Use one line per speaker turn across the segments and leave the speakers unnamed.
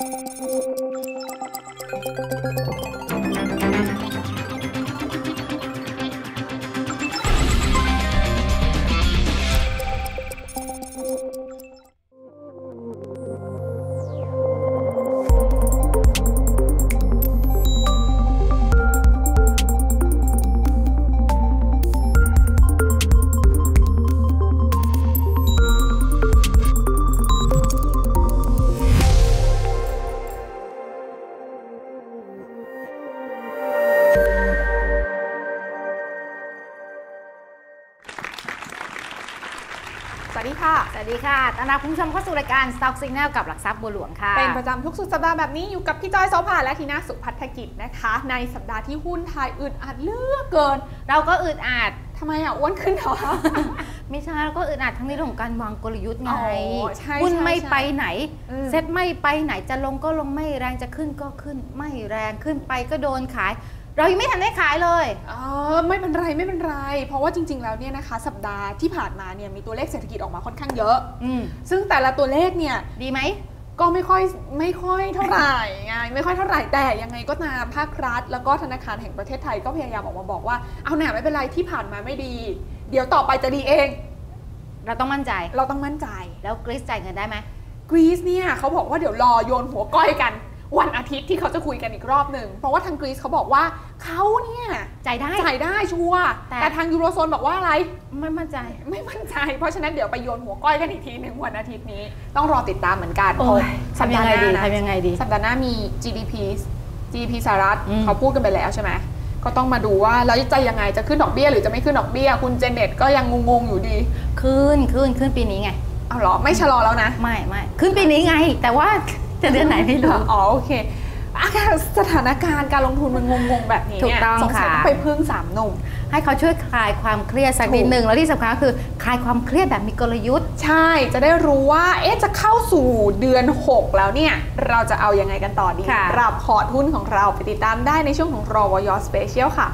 สวัสดีค่ะ
สวัสดีค่ะต้อนรับคุณผู้ชมเข้าสู่รายการ Stock Signal กับหลักทรัพย์บัวหลวงค่ะ
เป็นประจำทุกสุดสัปดาห์แบบนี้อยู่กับพี่จอยโสภาและทีน่าสุพัฒกิจนะคะในสัปดาห์ที่หุ้นไทยอึดอัดเหลือกเกิน
เราก็อึดอัด
ทำไมอ้วนขึ้นเหรอ
ไม่ใช่เราก็อึดอัดทั้งในเรื่องของการวางกลยุทธ์ไง
หุ้
นไม่ไปไหนเซ็ตไม่ไปไหนจะลงก็ลงไม่แรงจะขึ้นก็ขึ้นไม่แรงขึ้นไปก็โดนขายเรายังไม่ทันได้ขายเลย
ไม่เป็นไรไม่เป็นไรเพราะว่าจริงๆแล้วเนี่ยนะคะสัปดาห์ที่ผ่านมาเนี่ยมีตัวเลขเศรษฐกิจออกมาค่อนข้างเยอะซึ่งแต่ละตัวเลขเนี่ย
ดีไหม
ก็ไม่ค่อยเท่าไหร่ไงไม่ค่อยเท่าไหร่แต่ยังไงก็ตามภาครัฐแล้วก็ธนาคารแห่งประเทศไทยก็พยายามออกมาบอกว่าเอาหน่าไม่เป็นไรที่ผ่านมาไม่ดีเดี๋ยวต่อไปจะดีเอง
เราต้องมั่นใจแล้วกรีซจ่ายเงินได้ไหม
กรีซเนี่ยเขาบอกว่าเดี๋ยวรอโยนหัวก้อยกันวันอาทิตย์ที่เขาจะคุยกันอีกรอบหนึ่งเพราะว่าทางกรีซเขาบอกว่าเขาเนี่ย
จ่าย
ได้ชัวร์แต่ทางยูโรโซนบอกว่าอะไร
ไม่มั่นใจ
เพราะฉะนั้นเดี๋ยวไปโยนหัวก้อยกันอีกทีหนึ่งวันอาทิตย์นี้ต้องรอติดตามเหมือนกัน
ทำยังไงดี
สัปดาห์หน้ามี GDP สหรัฐเขาพูดกันไปแล้วใช่ไหมก็ต้องมาดูว่าแล้วจะยังไงจะขึ้นดอกเบี้ยหรือจะไม่ขึ้นดอกเบี้ยคุณเจเน็ตก็ยังงงอยู่ดี
ขึ้นปีนี้ไง
เอาหรอไม่ชะลอแล้วนะ
ไม่ขึ้นปีนี้ไงแต่ว่าจะเดือนไหนไม่รู้
โอเคสถานการณ์การลงทุนมันงงแบบนี้
เนี่ย
สงสัยต้องไปพึ่ง3 หนุ่ม
ให้เขาช่วยคลายความเครียดสักนิดนึงแล้วที่สำคัญคือคลายความเครียดแบบมีกลยุทธ์
ใช่จะได้รู้ว่าจะเข้าสู่เดือน6แล้วเนี่ยเราจะเอายังไงกันต่อดีรับพอร์ตหุ้นของเราไปติดตามได้ในช่วงของรวยสเปเชียลค่ะ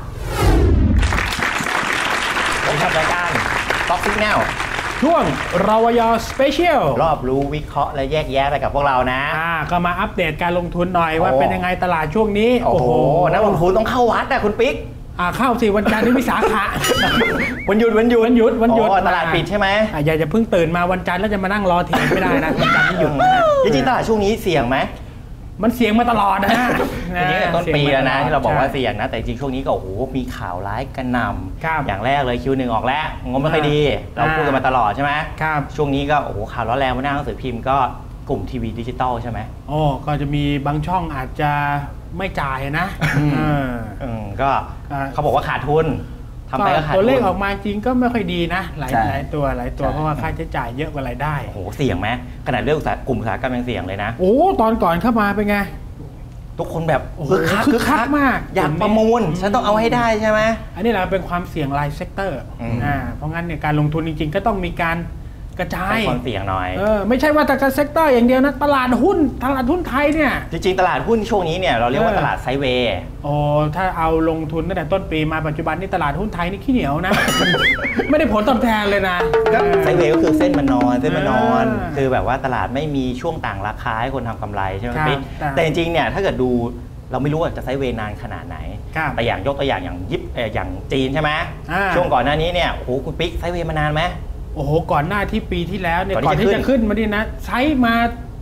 ผมทำรายการ Stock Signal
ช่วงรวยสเปเชียล
รอบรู้วิเคราะห์และแยกแยะไปกับพวกเรานะ
ก็มาอัปเดตการลงทุนหน่อยว่าเป็นยังไงตลาดช่วงนี้
โอ้โหนักลงทุนต้องเข้าวัดนะคุณปิ๊ก
เข้าสิวันจันทร์ที่วิสาขะ
วันหยุดตลาดปิดใช่ไหม
อย่าจะเพิ่งตื่นมาวันจันทร์แล้วจะมานั่งรอเถียงไม่ได้นะวันจันทร์ที่หยุด
จริงๆตลาดช่วงนี้เสี่ยงไหม
มันเสี่ยงมาตลอดนะ
อันนี้ต้นปีแล้วนะที่เราบอกว่าเสี่ยงนะแต่จริงช่วงนี้ก็โอ้โหมีข่าวร้ายกระหน่ำอย่างแรกเลย Q1 ออกแล้วงบไม่ค่อยดีเราพูดกันมาตลอดใช่ไหมช่วงนี้ก็โอ้โหข่าวร้อนแรงมาหน้าหนังสือพิมพ์ก็กลุ่มทีวีดิจิตอลใช่ไหม
ก็จะมีบางช่องอาจจะไม่จ่ายนะ
ก็เขาบอกว่าขาดทุนทำไปก็ขาดทุน
ตัวเลขออกมาจริงก็ไม่ค่อยดีนะหลายตัวเพราะว่าค่าใช้จ่ายเยอะกว่ารายได้
โอ้โหเสี่ยงไหมขนาดเรื่องกลุ่มอุตสาหกรรมยังเสี่ยงเลยนะ
ตอนก่อนเข้ามาเป็นไง
ทุกคนแบบคึกคัก
มาก
อยากประมูลฉันต้องเอาให้ได้ใช่ไหม
อันนี้เราเป็นความเสี่ยงรายเซกเตอร์เพราะงั้นเนี่ยการลงทุนจริงๆก็ต้องมีการกระจาย
ความเสี่ยงหน่อย
ไม่ใช่ว่าแต่การเซกเตอร์อย่างเดียวนะตลาดหุ้นไทยเนี่ย
จริงๆตลาดหุ้นช่วงนี้เนี่ยเราเรียกว่าตลาดไซด์เวย์
ถ้าเอาลงทุนตั้งแต่ต้นปีมาปัจจุบันนี่ตลาดหุ้นไทยนี่ขี้เหนียวนะ ไม่ได้ผลตอบแทนเลยนะ
ไซด์เวย์ก็คือเส้นมันนอนคือแบบว่าตลาดไม่มีช่วงต่างราคาให้คนทำกำไรใช่ไหมพี่แต่จริงๆเนี่ยถ้าเกิดดูเราไม่รู้ว่าจะไซด์เวย์นานขนาดไหนแต่อย่างยกตัวอย่างอย่างจีนใช่ไหมช่วงก่อนหน้านี้เนี่ยโอ้โหคุณปิ๊กไซด์เวย์มานานไหม
โอ้โหก่อนหน้าที่ปีที่แล้วเนี่ยก่อนที่จะขึ้นมาดินะใช้มา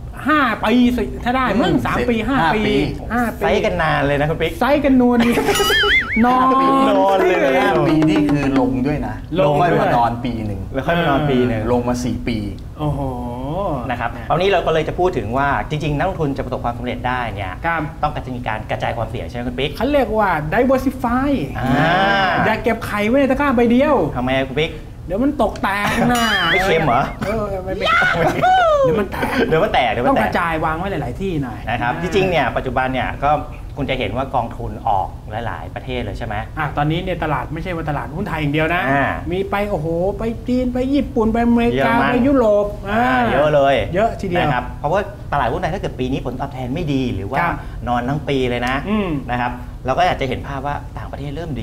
5 ปีถ้าได้มั่ง3 ปี5 ปี
ไซส์กันนานเลยนะคุณปิ๊ก
ไซส์กันนวลนอน
เลยปีนี่คือลงด้วยนะลงมานอนปีหนึ่ง
แล้วค่อยมานอนปีหนึ่ง
ลงมา4 ปี
โอ้โห
นะครับตอนนี้เราก็เลยจะพูดถึงว่าจริงๆนักลงทุนจะประสบความสำเร็จได้เนี่ยต้องการจะมีการกระจายความเสี่ยงใช่ไหมคุณปิ๊ก
เขาเรียกว่า diversify อย่าเก็บไข่ไว้ในตะกร้าใบเดียว
ทำไมคุณปิ๊ก
เดี๋ยวมันตกแตกนะ
ไม่เค็มเหรอ
ไม่เดี๋ยวมันแตกต้องกระจายวางไว้หลายๆที่หน่อย
นะครับจริงๆเนี่ยปัจจุบันเนี่ยก็คุณจะเห็นว่ากองทุนออกหลายๆประเทศเลยใช่ไหม
ตอนนี้เนี่ยตลาดไม่ใช่ว่าตลาดหุ้นไทยอย่างเดียวนะมีไปโอ้โหไปจีนไปญี่ปุ่นไปอเมริกาไปยุโรป
เยอะเลย
เยอะทีเดียว
นะครับเพราะว่าตลาดหุ้นไทยถ้าเกิดปีนี้ผลตอบแทนไม่ดีหรือว่านอนทั้งปีเลยนะครับเราก็อยากจะเห็นภาพว่าต่างประเทศเริ่มดี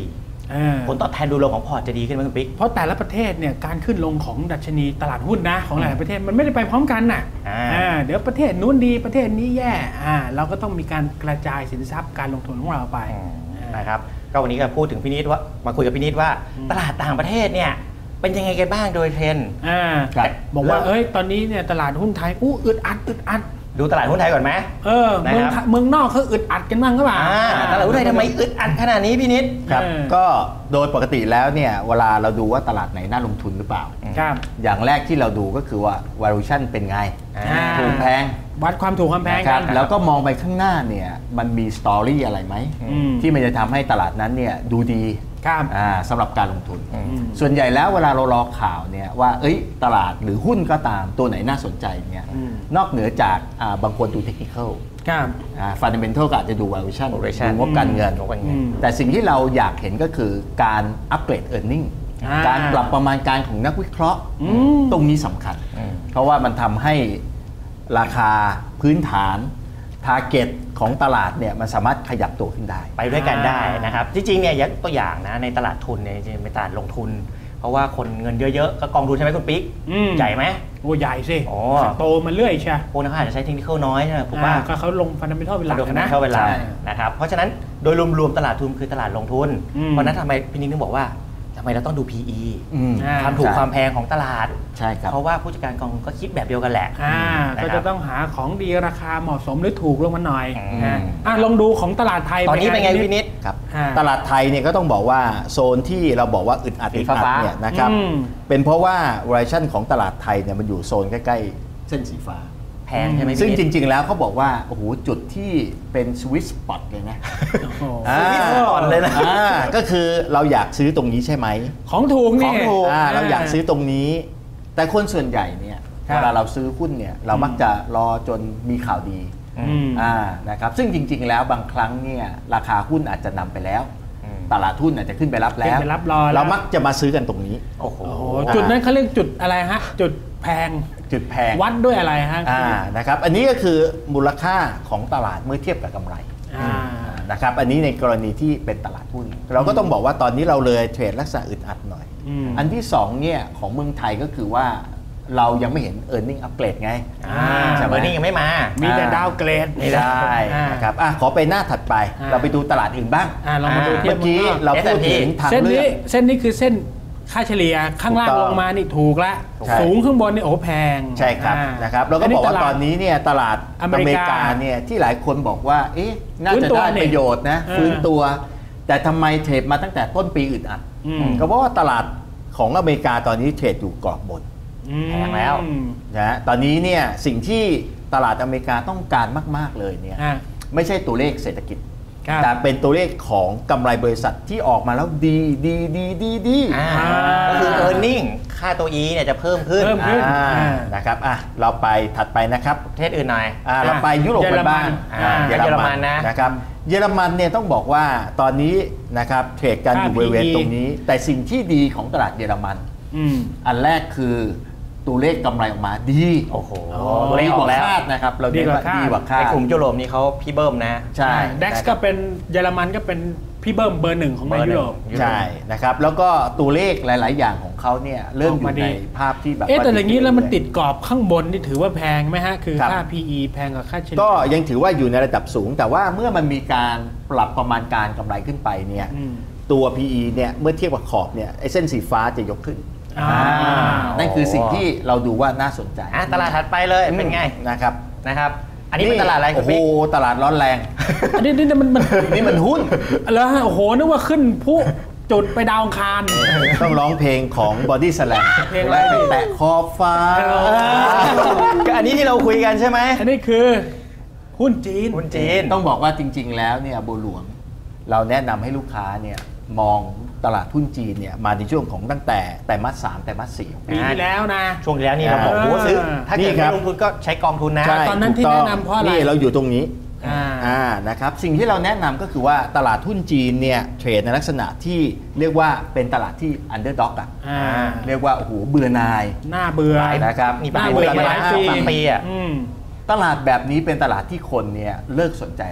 ผลตอบแทนโดยรวมของพอร์ตจะดีขึ้นไหมคุณปิ๊ก
เพราะแต่ละประเทศเนี่ยการขึ้นลงของดัชนีตลาดหุ้นนะของหลายประเทศมันไม่ได้ไปพร้อมกันน่ะเดี๋ยวประเทศนู้นดีประเทศนี้แย่เราก็ต้องมีการกระจายสินทรัพย์การลงทุนของเราไป
นะครับก็วันนี้ก็พูดถึงพี่นิดว่ามาคุยกับพี่นิดว่าตลาดต่างประเทศเนี่ยเป็นยังไงกันบ้างโดยเทรนด์
บอกว่าตอนนี้เนี่ยตลาดหุ้นไทยอึดอัด
ดูตลาดหุ้นไทยก่อนไหม
เมืองนอกเขาอึดอัดกันบ้างก็ว่า
ตลาดหุ้นไทยทำไมอึดอัดขนาดนี้พี่นิด
ครับก็โดยปกติแล้วเนี่ยเวลาเราดูว่าตลาดไหนน่าลงทุนหรือเปล่าอย่างแรกที่เราดูก็คือว่า valuation เป็นไงถูกแพง
วัดความถูกความแพง
กันแล้วก็มองไปข้างหน้าเนี่ยมันมีสตอรี่อะไรไหมที่มันจะทำให้ตลาดนั้นเนี่ยดูดีสำหรับการลงทุนส่วนใหญ่แล้วเวลาเรารอข่าวเนี่ยว่าตลาดหรือหุ้นก็ตามตัวไหนน่าสนใจเนี่ยนอกเหนือจากบางคนดูเทคนิคอลfundamental ก็อาจจะดู valuation ดูงบการเงินแต่สิ่งที่เราอยากเห็นก็คือการอัปเกรด earning การปรับประมาณการของนักวิเคราะห์ตรงนี้สำคัญเพราะว่ามันทำให้ราคาพื้นฐานtarget ของตลาดเนี่ยมันสามารถขยับตัวขึ้นได้
ไปด้วยกันได้นะครับจริงๆเนี่ยยกตัวอย่างนะในตลาดทุนเนี่ยจริงๆเป็นตลาดลงทุนเพราะว่าคนเงินเยอะๆก็กองทุนใช่ไหมคุณปิ๊กใหญ่ไหม
โอ้ใหญ่สิโตมาเรื่อยใช่
พวกนั้นอาจจะใช้เทคนิคน้อยใช่ไหมผมว่า
ก็เขาลงฟันดัมเบลเป็นหลักนะ
นะครับเพราะฉะนั้นโดยรวมๆตลาดทุนคือตลาดลงทุนเพราะนั้นทำไมพี่นิ้งถึงบอกว่าทำไมเราต้องดู PE ความถูกความแพงของตลาด
ใช่ครับ
เพราะว่าผู้จัดการกองก็คิดแบบเดียวกันแหละ
ก็จะต้องหาของดีราคาเหมาะสมหรือถูกลงมาหน่อยลองดูของตลาดไทย
ตอนนี้เป็นไงพี่นิด
ครับตลาดไทยเนี่ยก็ต้องบอกว่าโซนที่เราบอกว่าอึดอัดเนี่ยนะครับเป็นเพราะว่า valuation ของตลาดไทยเนี่ยมันอยู่โซนใกล้ๆเส้นสีฟ้า
แพงใช่ไหม
ซึ่งจริงๆแล้วเขาบอกว่าโอ้โหจุดที่เป็นสวิตช์สปอตเลยนะ
สวิตช์สปอตเลยนะ
ก็คือเราอยากซื้อตรงนี้ใช่ไหม
ของถูกนี่
เราอยากซื้อตรงนี้แต่คนส่วนใหญ่เนี่ยเวลาเราซื้อหุ้นเนี่ยเรามักจะรอจนมีข่าวดีนะครับซึ่งจริงๆแล้วบางครั้งเนี่ยราคาหุ้นอาจจะนำไปแล้วตลาดหุ้นอาจจะขึ้นไปรับแล้วเรามักจะมาซื้อกันตรงนี้
โอ้โห
จุดนั้นเขาเรียกจุดอะไรฮะจุดแพงวัดด้วยอะไรฮะ
นะครับอันนี้ก็คือมูลค่าของตลาดเมื่อเทียบกับกำไรนะครับอันนี้ในกรณีที่เป็นตลาดหุ้นเราก็ต้องบอกว่าตอนนี้เราเลยเทรดลักษณะอึดอัดหน่อยอันที่2เนี่ยของเมืองไทยก็คือว่าเรายังไม่เห็น earning upgrade ไง
earning ยังไม่มา
มีแต่ดาวเกรด
ไม่ได้นะครับขอไปหน้าถัดไปเราไปดูตลาดอื่นบ้าง
เรามาดูเมื่
อกี้เราพูดถึงทางเลือก
เส้นนี้คือเส้นค่าเฉลี่ยข้างล่างลงมานี่ถูกละสูงข้างบนนี่โอ้แพง
ใช่ครับนะครับเราก็บอกว่าตอนนี้เนี่ยตลาดอเมริกาเนี่ยที่หลายคนบอกว่าน่าจะได้ประโยชน์นะฟื้นตัวแต่ทำไมเทรดมาตั้งแต่ต้นปีอึดอัดก็เพราะว่าตลาดของอเมริกาตอนนี้เทรดอยู่กรอบบน
แพงแล้ว
นะตอนนี้เนี่ยสิ่งที่ตลาดอเมริกาต้องการมากๆเลยเนี่ยไม่ใช่ตัวเลขเศรษฐกิจแต่เป็นตัวเลขของกำไรบริษัทที่ออกมาแล้วดี
ก็คือ earning ค่าตัว E เนี่ยจะเพิ่มขึ้น
นะครับเราไปถัดไปนะครับ
ประเทศอื่นหน่อย
เราไปยุโรปกันบ้าง
เยอรมัน
นะครับเยอรมันเนี่ยต้องบอกว่าตอนนี้นะครับเทรดกันอยู่บริเวณตรงนี้แต่สิ่งที่ดีของตลาดเยอรมันอันแรกคือตัวเลขกำไรออกมาดี
โอ้โห
ตัวเลขออกแล้วนะครับเราดีกว่าคาด
ในกลุ่มยุโรปนี่เขาพี่เบิ้มนะ
ใช่
ดัคก็เป็นเยอรมันก็เป็นพี่เบิ้มเบอร์หนึ่งของยุโรป
ใช่นะครับแล้วก็ตัวเลขหลายๆอย่างของเขาเนี่ยเริ่มอยู่ในภาพที่แบบ
แต่อย่างนี้แล้วมันติดกรอบข้างบนนี่ถือว่าแพงไหมฮะคือค่า PE แพงกว่าค่าเฉลี่ย
ก็ยังถือว่าอยู่ในระดับสูงแต่ว่าเมื่อมันมีการปรับประมาณการกำไรขึ้นไปเนี่ยตัว PE เนี่ยเมื่อเทียบกับขอบเนี่ยไอ้เส้นสีฟ้าจะยกขึ้นนั่นคือสิ่งที่เราดูว่าน่าสนใจ
ตลาดถัดไปเลยเป็นไงนะครับอันนี้เป็นตลาดอะไร
โอ้โหตลาดร้อนแรง
อันนี้
มันหุ้น
แล้วโอ้โหนึกว่าขึ้นผู้จุดไปดาวอังคาร
ต้องร้องเพลงของ Body Slam แตะขอบฟ้า
อันนี้ที่เราคุยกันใช่ไหม
อันนี้คือหุ้นจีน
ต้องบอกว่าจริงๆแล้วเนี่ยบัวหลวงเราแนะนำให้ลูกค้าเนี่ยมองตลาดหุ้นจีนเนี่ยมาในช่วงของตั้งแต่ไตรมาส 3ไตรมาส 4
ปีที่แล้วนะ
ช่วงที่แล้วนี่เราบอกโอ้ซื้อถ้าเกิดไม่ลงทุนก็ใช้กองทุนนะ
ตอนนั้นที่แนะนำเพราะอะไร
นี่เราอยู่ตรงนี้นะครับสิ่งที่เราแนะนำก็คือว่าตลาดหุ้นจีนเนี่ยเทรดในลักษณะที่เรียกว่าเป็นตลาดที่อันเดอร์ด็อกเรียกว่าโอ้โหเบื่อนาย
หน้าเบื่อ
นะครับ
มีปัญหามาหลายปี
ตลาดแบบนี้เป็นตลาดที่คนเนี่ยเลิกสนใจละ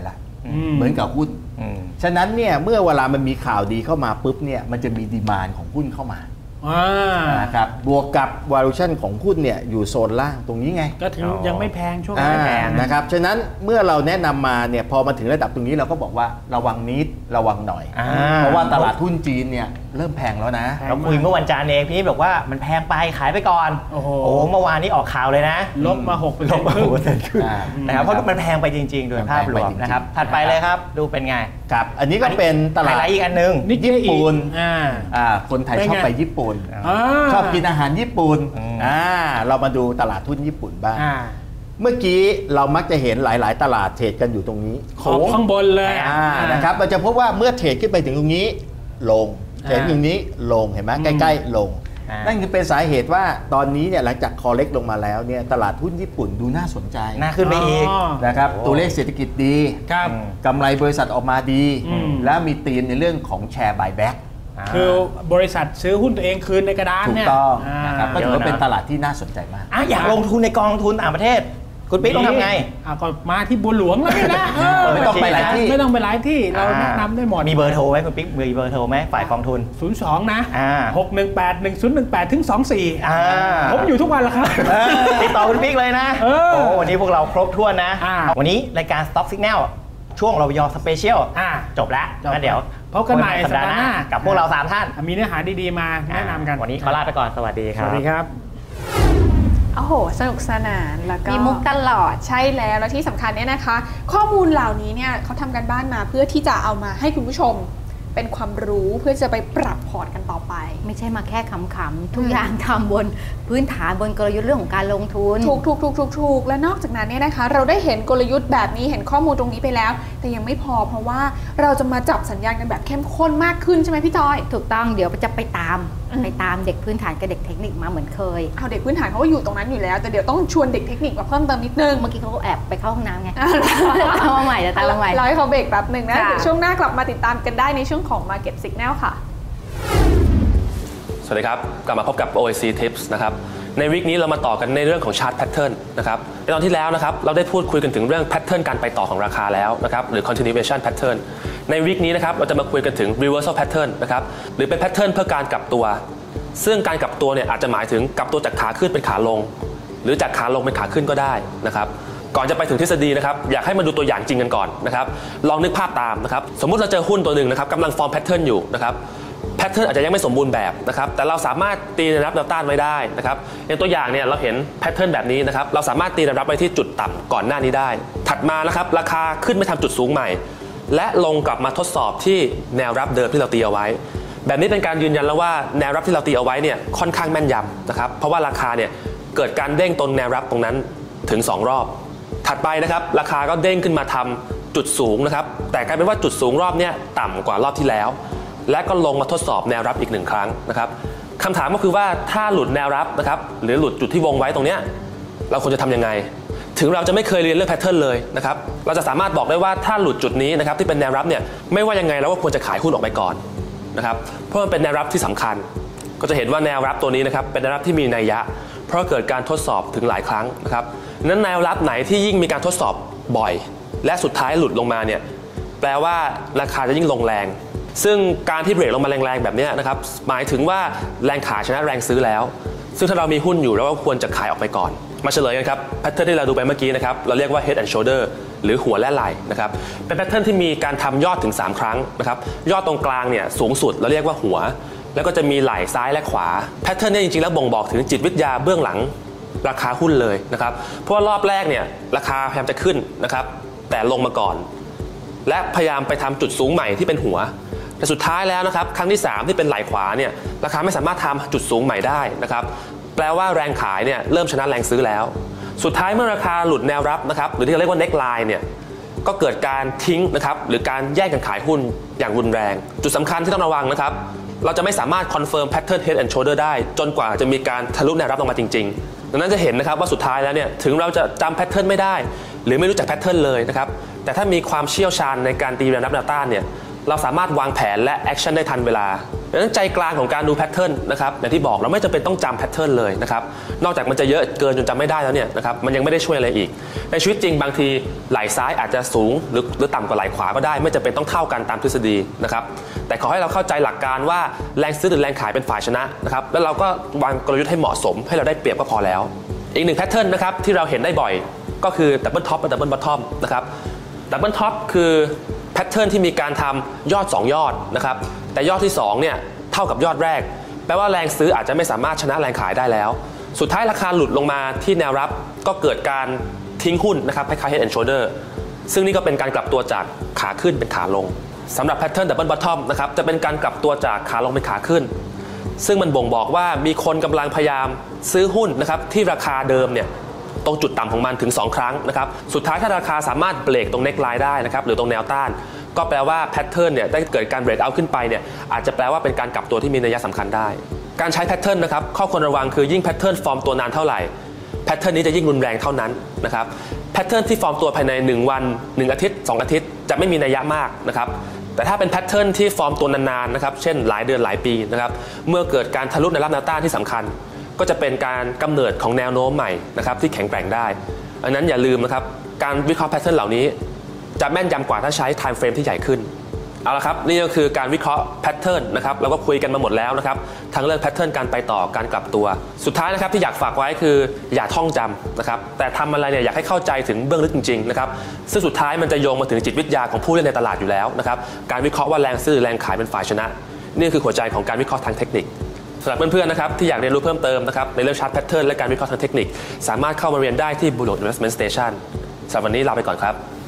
เหมือนกับหุ้นฉะนั้นเนี่ยเมื่อเวลามันมีข่าวดีเข้ามาปุ๊บเนี่ยมันจะมีดีมานด์ของหุ้นเข้ามานะครับบวกกับ valuation ของหุ้นเนี่ยอยู่โซนล่างตรงนี้ไง
ก็ถึงยังไม่แพงช่วงไม่แพง
นะครับฉะนั้นเมื่อเราแนะนำมาเนี่ยพอมาถึงระดับตรงนี้เราก็บอกว่าระวังนิดระวังหน่อยเพราะว่าตลาดหุ้นจีนเนี่ยเริ่มแพงแล้วนะ
เราคุยเมื่อวันจันทร์เองพี่บอกว่ามันแพงไปขายไปก่อนโอ้โหเมื่อวานนี้ออกข่าวเลยนะ
ลบมา 6%
นะครับเพราะมันแพงไปจริงๆโดยภาพรวมนะครับถัดไปเลยครับดูเป็นไง
ครับอันนี้ก็เป็นตลาด
อีกอันนึง
ญี่ปุ่นคนไทยชอบไปญี่ปุ่นชอบกินอาหารญี่ปุ่นเรามาดูตลาดหุ้นญี่ปุ่นบ้างเมื่อกี้เรามักจะเห็นหลายๆตลาดเทรดกันอยู่ตรงนี้
ข้างบนเลย
นะครับเราจะพบว่าเมื่อเทรดขึ้นไปถึงตรงนี้ลงเทรดตรงนี้ลงเห็นไหมใกล้ๆลงนั่นคือเป็นสาเหตุว่าตอนนี้เนี่ยหลังจากคอเล็กลงมาแล้วเนี่ยตลาดหุ้นญี่ปุ่นดูน่าสนใจ
น่าขึ้นไปอีก
นะครับตัวเลขเศรษฐกิจดีกำไรบริษัทออกมาดีและมีธีมในเรื่องของแชร์บายแบ็ก
คือบริษัทซื้อหุ้นตัวเองคืนในกระดานเนี่ย
ถูกต้องนะครับก็ถือว่าเป็นตลาดที่น่าสนใจมาก
อยากลงทุนในกองทุนต่างประเทศคุณปิ๊กต้องทำไง
ก็มาที่บัวหลวงแล้วนะ
ไม่ต้องไปหลายที่
ไม่ต้องไปหลายที่เราแนะนำได้หมด
มีเบอร์โทรไหมคุณปิ๊กมีเบอร์โทรไหมฝ่ายกองทุน
02นะ6181018ถึง24ผมอยู่ทุกวันแล้วครับ
ติดต่อคุณปิ๊กเลยนะโอ้วันนี้พวกเราครบถ้วนนะวันนี้รายการ Stock Signal ช่วงรยสเปเชียลจบแล้วเดี๋ยว
พบกันใหม่สัปดาห์หน้า
กับพวกเรา3ท่าน
มีเนื้อหาดีๆมาแนะนำกัน
วันนี้ขอลาไปก่อนสวัสดีครับ
สวัสดีครับ
โอ้โหสนุกสนานแล้วก็
มีมุกตลอด
ใช่แล้วที่สำคัญเนี่ยนะคะข้อมูลเหล่านี้เนี่ยเขาทำกันบ้านมาเพื่อที่จะเอามาให้คุณผู้ชมเป็นความรู้เพื่อจะไปปรับพอร์ตกันต่อไป
ไม่ใช่มาแค่ขำๆทุกอย่างทำบนพื้นฐานบนกลยุทธ์เรื่องของการลงทุน
ถูกและนอกจากนั้นเนี่ยนะคะเราได้เห็นกลยุทธ์แบบนี้เห็นข้อมูลตรงนี้ไปแล้วแต่ยังไม่พอเพราะว่าเราจะมาจับสัญญาณกันแบบเข้มข้นมากขึ้นใช่ไหมพี่จอย
ถูกต้องเดี๋ยวจะไปตามเด็กพื้นฐานกับเด็กเทคนิคมาเหมือนเคย
เอาเด็กพื้นฐานเขาก็อยู่ตรงนั้นอยู่แล้วแต่เดี๋ยวต้องชวนเด็กเทคนิคมาเพิ่มเติมนิดนึง
เมื่อกี้เขาก็แอบไปเข้าห้องน้ำไงเอามาใหม่
เราให้เขาเบรกแป๊บนึงนะเดี๋ยวช่วงหน้ากลับมาติดตามกันได้ในช่วงของ Market Signal ค่ะ
สวัสดีครับกลับมาพบกับ OIC Tips นะครับในวีคนี้เรามาต่อกันในเรื่องของ Chart Pattern นะครับในตอนที่แล้วนะครับเราได้พูดคุยกันถึงเรื่อง Pattern การไปต่อของราคาแล้วนะครับหรือ Continuation Pattern ในวีคนี้นะครับเราจะมาคุยกันถึง Reversal Pattern นะครับหรือเป็น Pattern เพื่อการกลับตัวซึ่งการกลับตัวเนี่ยอาจจะหมายถึงกลับตัวจากขาขึ้นเป็นขาลงหรือจากขาลงเป็นขาขึ้นก็ได้นะครับก่อนจะไปถึงทฤษฎีนะครับอยากให้มาดูตัวอย่างจริงกันก่อนนะครับลองนึกภาพตามนะครับสมมุติเราเจอหุ้นตัวหนึ่งนะครับกำลังฟอร์ม Pattern อยู่นะครับแพทเทิร์นอาจจะยังไม่สมบูรณ์แบบนะครับแต่เราสามารถตีแนวรับแนวต้านไว้ได้นะครับอย่างตัวอย่างเนี่ยเราเห็นแพทเทิร์นแบบนี้นะครับเราสามารถตีแนวรับไว้ที่จุดต่ำก่อนหน้านี้ได้ถัดมานะครับราคาขึ้นไปทำจุดสูงใหม่และลงกลับมาทดสอบที่แนวรับเดิมที่เราตีเอาไว้แบบนี้เป็นการยืนยันแล้วว่าแนวรับที่เราตีเอาไว้เนี่ยค่อนข้างแม่นยำนะครับเพราะว่าราคาเนี่ยเกิดการเด้งตรงแนวรับตรงนั้นถึง2รอบถัดไปนะครับราคาก็เด้งขึ้นมาทำจุดสูงนะครับแต่กลายเป็นว่าจุดสูงรอบนี้ต่ำกว่ารอบที่แล้วและก็ลงมาทดสอบแนวรับอีก1ครั้งนะครับคำถามก็คือว่าถ้าหลุดแนวรับนะครับหรือหลุดจุดที่วงไว้ตรงนี้เราควรจะทำยังไงถึงเราจะไม่เคยเรียนเรื่องแพทเทิร์นเลยนะครับเราจะสามารถบอกได้ว่าถ้าหลุดจุดนี้นะครับที่เป็นแนวรับเนี่ยไม่ว่ายังไงเราก็ควรจะขายหุ้นออกไปก่อนนะครับเพราะมันเป็นแนวรับที่สำคัญก็จะเห็นว่าแนวรับตัวนี้นะครับเป็นแนวรับที่มีนัยยะเพราะเกิดการทดสอบถึงหลายครั้งนะครับนั้นแนวรับไหนที่ยิ่งมีการทดสอบบ่อยและสุดท้ายหลุดลงมาเนี่ยแปลว่าราคาจะยิ่งลงแรงซึ่งการที่เบรกลงมาแรงๆแบบนี้นะครับหมายถึงว่าแรงขายชนะแรงซื้อแล้วซึ่งถ้าเรามีหุ้นอยู่เราก็ควรจะขายออกไปก่อนมาเฉลยกันครับแพทเทิร์นที่เราดูไปเมื่อกี้นะครับเราเรียกว่า head and shoulder หรือหัวและไหล่นะครับเป็นแพทเทิร์นที่มีการทำยอดถึง3ครั้งนะครับยอดตรงกลางเนี่ยสูงสุดเราเรียกว่าหัวแล้วก็จะมีไหล่ซ้ายและขวาแพทเทิร์นนี้จริงๆแล้วบ่งบอกถึงจิตวิทยาเบื้องหลังราคาหุ้นเลยนะครับเพราะว่ารอบแรกเนี่ยราคาพยายามจะขึ้นนะครับแต่ลงมาก่อนและพยายามไปทำจุดสูงใหม่ที่เป็นหัวแต่สุดท้ายแล้วนะครับครั้งที่3ที่เป็นไหล่ขวาเนี่ยราคาไม่สามารถทำจุดสูงใหม่ได้นะครับแปลว่าแรงขายเนี่ยเริ่มชนะแรงซื้อแล้วสุดท้ายเมื่อราคาหลุดแนวรับนะครับหรือที่เราเรียกว่า neckline เนี่ยก็เกิดการทิ้งนะครับหรือการแย่งกันขายหุ้นอย่างรุนแรงจุดสำคัญที่ต้องระวังนะครับเราจะไม่สามารถ confirm pattern head and shoulder ได้จนกว่าจะมีการทะลุแนวรับลงมาจริงๆดังนั้นจะเห็นนะครับว่าสุดท้ายแล้วเนี่ยถึงเราจะจำ pattern ไม่ได้หรือไม่รู้จัก pattern เลยนะครับแต่ถ้ามีความเชี่ยวชาญในการตีแนวรับแนวต้านเนี่ยเราสามารถวางแผนและแอคชั่นได้ทันเวลาดังนั้นใจกลางของการดูแพทเทิร์นนะครับอย่างที่บอกเราไม่จำเป็นต้องจำแพทเทิร์นเลยนะครับนอกจากมันจะเยอะเกินจนจำไม่ได้แล้วเนี่ยนะครับมันยังไม่ได้ช่วยอะไรอีกในชีวิตจริงบางทีไหล่ซ้ายอาจจะสูงหรือต่ำกว่าไหล่ขวาก็ได้ไม่จำเป็นต้องเท่ากันตามทฤษฎีนะครับแต่ขอให้เราเข้าใจหลักการว่าแรงซื้อหรือแรงขายเป็นฝ่ายชนะนะครับแล้วเราก็วางกลยุทธ์ให้เหมาะสมให้เราได้เปรียบก็พอแล้วอีกหนึ่งแพทเทิร์นนะครับที่เราเห็นได้บ่อยก็คือดับเบิลท็อปและดับเบิลบอททอมนะครับดับเบิลท็อปคือแพทเทิร์นที่มีการทำยอด2ยอดนะครับแต่ยอดที่2เนี่ยเท่ากับยอดแรกแปลว่าแรงซื้ออาจจะไม่สามารถชนะแรงขายได้แล้วสุดท้ายราคาหลุดลงมาที่แนวรับก็เกิดการทิ้งหุ้นนะครับคล้ายๆ head and shoulder ซึ่งนี่ก็เป็นการกลับตัวจากขาขึ้นเป็นขาลงสำหรับแพทเทิร์นดับเบิลบอททอมนะครับจะเป็นการกลับตัวจากขาลงเป็นขาขึ้นซึ่งมันบ่งบอกว่ามีคนกำลังพยายามซื้อหุ้นนะครับที่ราคาเดิมเนี่ยตรงจุดต่ำของมันถึง2ครั้งนะครับสุดท้ายถ้าราคาสามารถเบรกตรงเน็กไลน์ได้นะครับหรือตรงแนวต้านก็แปลว่าแพทเทิร์นเนี่ยได้เกิดการเบรกเอาท์ขึ้นไปเนี่ยอาจจะแปลว่าเป็นการกลับตัวที่มีนัยสำคัญได้การใช้แพทเทิร์นนะครับข้อควรระวังคือยิ่งแพทเทิร์นฟอร์มตัวนานเท่าไหร่แพทเทิร์นนี้จะยิ่งรุนแรงเท่านั้นนะครับแพทเทิร์นที่ฟอร์มตัวภายใน1วัน1อาทิตย์2อาทิตย์จะไม่มีนัยมากนะครับแต่ถ้าเป็นแพทเทิร์นที่ฟอร์มตัวนานๆนะครับเช่นหลายเดือนหลายปีนะครับเมื่อเกิดการทะลุแนวรับแนวต้านที่สำคัญก็จะเป็นการกำเนิดของแนวโน้มใหม่นะครับที่แข็งแกร่งได้ดังนั้นอย่าลืมนะครับการวิเคราะห์แพทเทิร์นเหล่านี้จะแม่นยำกว่าถ้าใช้ time frame ที่ใหญ่ขึ้นเอาละครับนี่ก็คือการวิเคราะห์แพทเทิร์นนะครับเราก็คุยกันมาหมดแล้วนะครับทั้งเรื่องแพทเทิร์นการไปต่อการกลับตัวสุดท้ายนะครับที่อยากฝากไว้คืออย่าท่องจำนะครับแต่ทำอะไรเนี่ยอยากให้เข้าใจถึงเบื้องลึกจริงๆนะครับซึ่งสุดท้ายมันจะโยงมาถึงจิตวิทยาของผู้เล่นในตลาดอยู่แล้วนะครับการวิเคราะห์ว่าแรงซื้อแรงขายเป็นฝ่ายชนะนี่คือหัวใจของการวิเคราะห์ทางเทคนิคสำหรับเพื่อนๆนะครับที่อยากเรียนรู้เพิ่มเติมนะครับในเรื่องชาร์ตแพทเทิร์นและการวิเคราะห์ทางเทคนิคสามารถเข้ามาเรียนได้ที่ Blue Dot Investment Station สำหรับวันนี้ลาไปก่อนครับ